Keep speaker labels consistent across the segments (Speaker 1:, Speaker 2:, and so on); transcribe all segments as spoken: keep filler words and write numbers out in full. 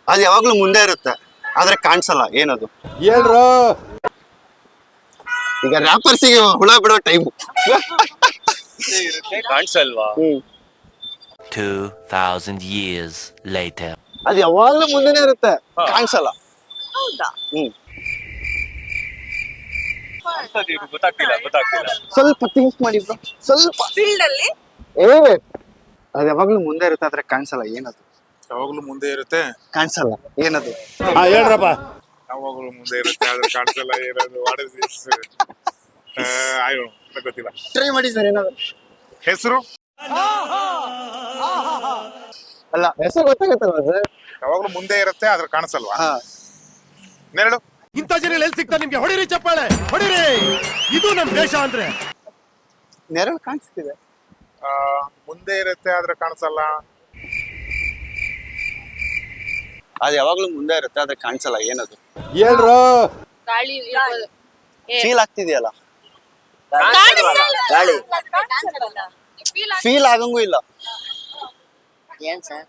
Speaker 1: ಅದು ಯಾವಾಗ್ಲೂ ಮುಂದೆ ಇರುತ್ತೆ ಆದ್ರೆ ಕಾಣಿಸಲ್ಲ, ಏನದು?
Speaker 2: ಹೇಳ್ರು.
Speaker 1: ಈಗ ರ್ಯಾಪರ್ಸಿಗೆ ಹುಳ ಬಿಡೋ ಟೈಮು.
Speaker 3: ಕಾಣಿಸಲ್ವಾ?
Speaker 4: two thousand years later.
Speaker 1: ಅದು ಯಾವಾಗ್ಲೂ ಮುಂದೆನೆ ಇರುತ್ತೆ, ಕಾಣಿಸಲ್ಲ.
Speaker 5: ಹೌದಾ?
Speaker 1: ಹ್ಮ್
Speaker 3: ಗೊತ್ತಾಗ್ತಿಲ್ಲ ಗೊತ್ತಾಗ್ತಿಲ್ಲ
Speaker 1: ಸ್ವಲ್ಪ ಥಿಂಕ್ ಮಾಡಿ bro. ಸ್ವಲ್ಪ
Speaker 5: ಫೀಲ್ಡ್ ಅಲ್ಲಿ
Speaker 1: ಏ ಅದು ಯಾವಾಗ್ಲೂ ಮುಂದೆ ಇರುತ್ತೆ ಆದ್ರೆ ಕಾಣಿಸಲ್ಲ, ಏನದು?
Speaker 6: ಯಾವಾಗ್ಲೂ ಮುಂದೆ ಇರುತ್ತೆ
Speaker 1: ಕಾಣಿಸಲ್ಲ, ಏನದು?
Speaker 2: ಹಾ ಹೇಳ್ರಪ್ಪ.
Speaker 6: ಯಾವಾಗ್ಲೂ ಮುಂದೆ ಇರುತ್ತೆ ಆದ್ರೆ ಕಾಣಿಸಲ್ಲ, ಏನದು? What is this? ಅಯ್ಯೋ ಗೊತ್ತಿಲ್ಲ.
Speaker 1: ಟ್ರೈ ಮಾಡಿ ಸರ್, ಏನಾದ್ರು
Speaker 6: ಹೆಸರು
Speaker 1: ಅಲ್ಲ, ಹೆಸರು ಗೊತ್ತಾಗತ್ತಲ್ವಾ ಸರ್?
Speaker 6: ಯಾವಾಗ್ಲೂ ಮುಂದೆ ಇರುತ್ತೆ ಆದ್ರೆ ಕಾಣಿಸಲ್ವಾ?
Speaker 1: ಹಾ,
Speaker 6: ನೆರಳು.
Speaker 2: ಇಂಥ ಜನ ಎಲ್ಲಿ ಸಿಗ್ತಾ ನಿಮ್ಗೆ? ಹೊಡಿರಿ ಚಪ್ಪಾಳೆ, ಹೊಡಿರಿ. ಇದು ನಮ್ ದೇಶ ಅಂದ್ರೆ.
Speaker 1: ನೆರಳು ಕಾಣಿಸ್ತಿದೆ.
Speaker 6: ಆ, ಮುಂದೆ ಇರುತ್ತೆ ಆದ್ರೆ ಕಾಣಿಸಲ್ಲ.
Speaker 1: ಅದು ಯಾವಾಗ್ಲೂ ಮುಂದೆ ಇರುತ್ತೆ ಆದ್ರೆ ಕಾಣಿಸಲ್ಲ, ಏನದು?
Speaker 2: ಹೇಳ್ರು.
Speaker 5: ಗಾಳಿ
Speaker 1: ಫೀಲ್ ಆಗ್ತಿದೆಯಲ್ಲ,
Speaker 5: ಗಾಳಿ
Speaker 1: ಫೀಲ್ ಆಗಂಗೂ ಇಲ್ಲ.
Speaker 5: ಏನ್ ಸರ್?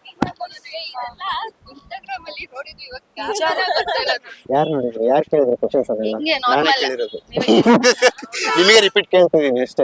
Speaker 1: ಯಾರು ನೋಡಿದ್ರು? ಯಾರು ಕೇಳಿದ್ರು ಕ್ವಶನ್ಸ್? ಅದೆಲ್ಲ
Speaker 5: ಹಿಂಗೆ
Speaker 1: ನಾನೇ
Speaker 5: normal.
Speaker 1: ಕೇಳಿರೋದು. ನಿಮಗೆ ರಿಪೀಟ್ ಕೇಳ್ತಿದ್ದೀನಿ ಅಷ್ಟೇ.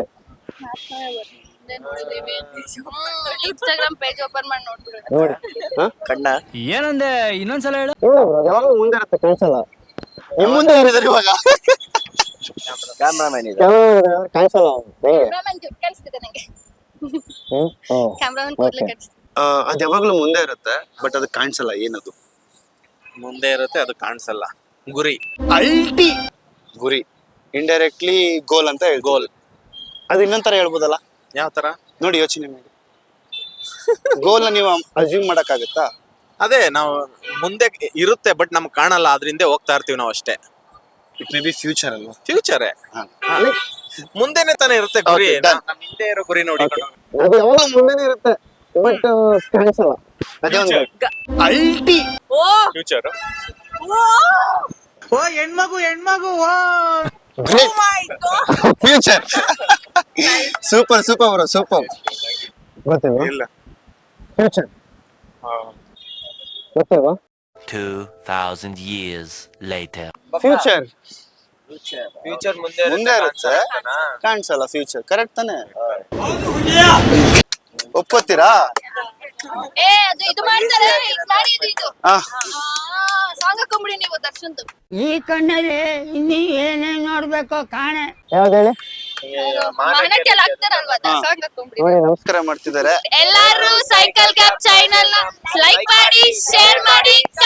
Speaker 5: ಇನ್ಸ್ಟಾಗ್ರಾಮ್ ಪೇಜ್ ಓಪನ್ ಮಾಡಿ ನೋಡ್ಬಿಡೋದು.
Speaker 1: ನೋಡಿ
Speaker 3: ಕಣ್ಣ
Speaker 7: ಏನಂದೆ ಇನ್ನೊಂದ್ಸಲ ಹೇಳು.
Speaker 1: ಯಾವಾಗಲೂ ಮುಂದೆ ಇರುತ್ತೆ, ಕಾಣಿಸಲ್ಲ. ನಿಮ್ ಮುಂದೆ ಯಾರಿದ್ದಾರೆ ಇವಾಗ?
Speaker 3: ಕ್ಯಾಮ್ರಾಮನ್ ಇದೆ.
Speaker 1: ಕಾಣಿಸಲ್ಲ.
Speaker 5: ಕ್ಯಾಮ್ರಾಮನ್ ಜುಟ್ ಕಾಣಿಸ್ತಿದೆ ನಂಗೆ. ಕ್ಯಾಮ್ರಾಮನ್ ಕೂದಲು ಕಾಣಿಸ್ತಿದೆ.
Speaker 1: ಅದು ಯಾವಾಗ್ಲೂ ಮುಂದೆ ಇರುತ್ತೆ ಬಟ್ ಅದು ಕಾಣಿಸಲ್ಲ, ಏನದು?
Speaker 3: ಮುಂದೆ ಇರುತ್ತೆ ಅದು ಕಾಣಿಸಲ್ಲ. ಗುರಿ.
Speaker 1: ಅಲ್ಟಿ ಗುರಿ. ಇಂಡೈರೆಕ್ಟ್ಲಿ ಗೋಲ್ ಅಂತ ಹೇಳಿ.
Speaker 3: ಗೋಲ್.
Speaker 1: ಅದು ಇನ್ನೊಂಥರ ಹೇಳ್ಬೋದಲ್ಲ?
Speaker 3: ಯಾವ ತರ?
Speaker 1: ನೋಡಿ, ಯೋಚನೆ ಮಾಡಿ. ಗೋಲ್ ನೀವು ಅಸ್ಯೂಮ್ ಮಾಡಕ್ಕಾಗತ್ತಾ?
Speaker 3: ಅದೇ ನಾವು ಮುಂದೆ ಇರುತ್ತೆ ಬಟ್ ನಮ್ಗೆ ಕಾಣಲ್ಲ, ಅದ್ರಿಂದ ಹೋಗ್ತಾ ಇರ್ತೀವಿ ನಾವು ಅಷ್ಟೇ.
Speaker 1: ಇಟ್ ಮೇ ಬಿ ಫ್ಯೂಚರ್ ಅಲ್ವಾ?
Speaker 3: ಫ್ಯೂಚರೇ
Speaker 1: ಹಾ.
Speaker 3: ಮುಂದೆನೆ ತಾನೇ ಇರುತ್ತೆ ಗುರಿ.
Speaker 1: Okay, done.
Speaker 3: ನಮ್ ಹಿಂದೆ ಇರೋ ಗುರಿ ನೋಡಿ.
Speaker 1: ಅದು ಯಾವಾಗಲೂ ಮುಂದೆನೇ ಇರುತ್ತೆ ಬಟ್ ಕಾಣಿಸಲ್ಲ. ಅದೇ ಒಂದು ಅಲ್ಟಿ
Speaker 5: ಓ
Speaker 3: ಫ್ಯೂಚರ್.
Speaker 7: ಓ ಹೆಣ್ಮಗು ಹೆಣ್ಮಗು
Speaker 5: my God.
Speaker 1: Future. Super super bro, super. ಗೊತ್ತಿಲ್ವಾ?
Speaker 6: ಇಲ್ಲ.
Speaker 1: ಫ್ಯೂಚರ್
Speaker 6: ಆ,
Speaker 1: ಗೊತ್ತಿಲ್ವಾ?
Speaker 4: two thousand years later.
Speaker 1: Future
Speaker 3: future ಮುಂದೆ
Speaker 1: ಮುಂದೆ ಇರುತ್ತೆ, ಕಾಣಿಸಲ್ಲ. ಫ್ಯೂಚರ್ ಕರೆಕ್ಟ್ ತಾನೆ? ಒಪ್ಪತ್ತೀರಾ?
Speaker 5: ಏ ಅದು ಇದು ಮಾಡ್ತಾರೆ, ಇದು ಮಾಡಿ ಇದು ಇದು
Speaker 1: ಆ
Speaker 5: ಸಾಂಗ್ ಹಾಕೊಂಬಿಡಿ ನೀವು ದರ್ಶನ್ದು.
Speaker 8: ಈ ಕಣ್ಣಲ್ಲಿ ಇನ್ನೀ ಏನೇನ್ ನೋಡ್ಬೇಕೋ ಕಾಣೆ.
Speaker 1: ಯಾವ್ದು ಹೇಳಿ?
Speaker 5: ಮಾನಕ್ಕೆಲ್ಲ ಹಾಕ್ತಾರಲ್ವಾ, ಅದ ಸಾಂಗ್ ಹಾಕೊಂಬಿಡಿ.
Speaker 1: ನೋಡಿ, ನಮಸ್ಕಾರ ಮಾಡ್ತಿದ್ದಾರೆ.
Speaker 5: ಎಲ್ಲಾರು ಸೈಕಲ್ ಕ್ಯಾಪ್ ಚಾನೆಲ್ ನ ಲೈಕ್ ಮಾಡಿ, ಶೇರ್ ಮಾಡಿ,